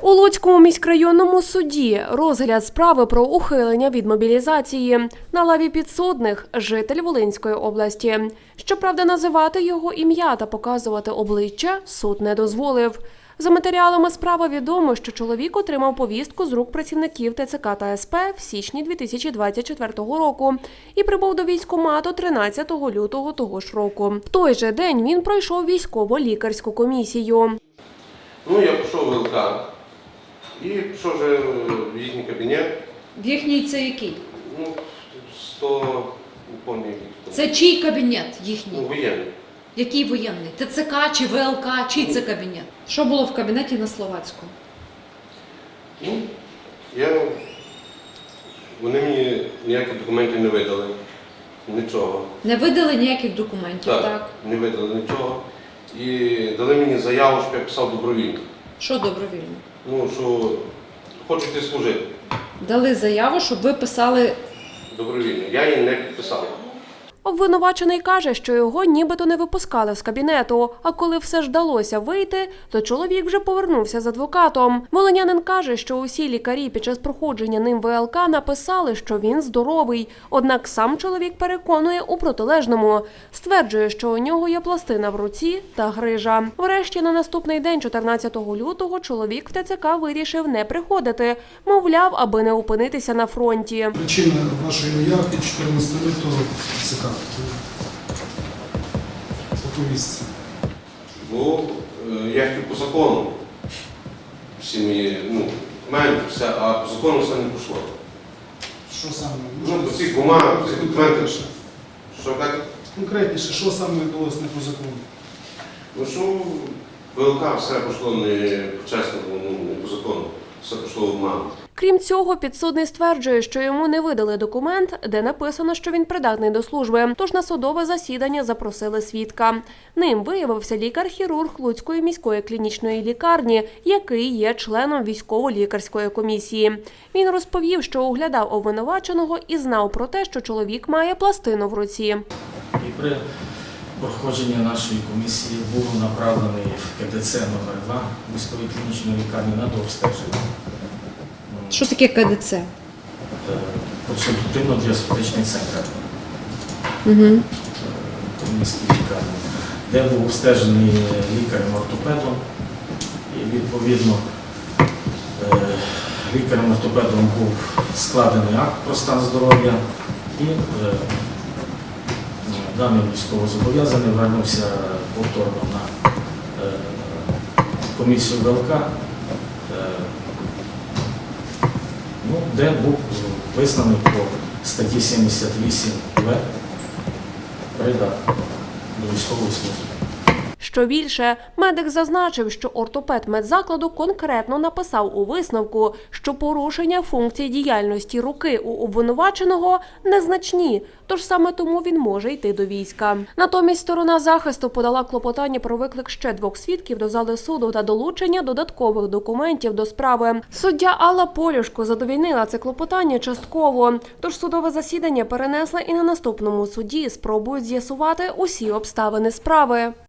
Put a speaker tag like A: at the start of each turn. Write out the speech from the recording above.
A: У Луцькому міськрайонному суді розгляд справи про ухилення від мобілізації. На лаві підсудних – житель Волинської області. Щоправда, називати його ім'я та показувати обличчя суд не дозволив. За матеріалами справи відомо, що чоловік отримав повістку з рук працівників ТЦК та СП в січні 2024 року і прибув до військкомату 13 лютого того ж року. В той же день він пройшов військово-лікарську комісію.
B: Я пішов в ВЛК і пішов вже в їхній кабінет.
C: В їхній це який?
B: 100, не пам'ятаю.
C: Це чий кабінет їхній?
B: Воєнний.
C: Який воєнний? ТЦК чи ВЛК? Чий це кабінет? Що було в кабінеті на Словацькому?
B: Вони мені ніяких документів не видали. Нічого.
C: Не видали ніяких документів, так?
B: Не видали нічого. І дали мені заяву, щоб я писав добровільно.
C: Що добровільно?
B: Що хочу йти служити.
C: Дали заяву, щоб ви писали...
B: Добровільно. Я її не підписав.
A: Обвинувачений каже, що його нібито не випускали з кабінету, а коли все ж вдалося вийти, то чоловік вже повернувся з адвокатом. Волинянин каже, що усі лікарі під час проходження ним ВЛК написали, що він здоровий, однак сам чоловік переконує у протилежному. Стверджує, що у нього є пластина в руці та грижа. Врешті на наступний день, 14 лютого, чоловік в ТЦК вирішив не приходити, мовляв, аби не опинитися на фронті.
D: Причина вашої уявки 14 лютого ТЦК. По повістці.
B: Я хотів по закону. Всі мої, документи, все, а по закону все не пішло.
D: Що саме?
B: По цих бумагах, по цих документах. Що так?
D: Конкретніше, що саме відбулося не по закону?
B: Що ВЛК все пішло не по-чесному, не по закону. Все пішло в обман.
A: Крім цього, підсудний стверджує, що йому не видали документ, де написано, що він придатний до служби, тож на судове засідання запросили свідка. Ним виявився лікар-хірург Луцької міської клінічної лікарні, який є членом військово-лікарської комісії. Він розповів, що оглядав обвинуваченого і знав про те, що чоловік має пластину в руці.
E: І при проходженні нашої комісії був направлений в КДЦ номер 2 міської клінічної лікарні на дообстеження.
C: Що таке КДЦ?
E: Консультативно-діагностичний центр міській лікарні, де був обстежений лікарем-ортопедом. І відповідно лікарем-ортопедом був складений акт про стан здоров'я і даний військовозобов'язаний вернувся повторно на комісію ВЛК, де був визнаний по статті 78В придатний до військової служби.
A: Що більше, медик зазначив, що ортопед медзакладу конкретно написав у висновку, що порушення функцій діяльності руки у обвинуваченого незначні, тож саме тому він може йти до війська. Натомість сторона захисту подала клопотання про виклик ще 2 свідків до зали суду та долучення додаткових документів до справи. Суддя Алла Полюшко задовільнила це клопотання частково, тож судове засідання перенесли і на наступному суді спробують з'ясувати усі обставини справи.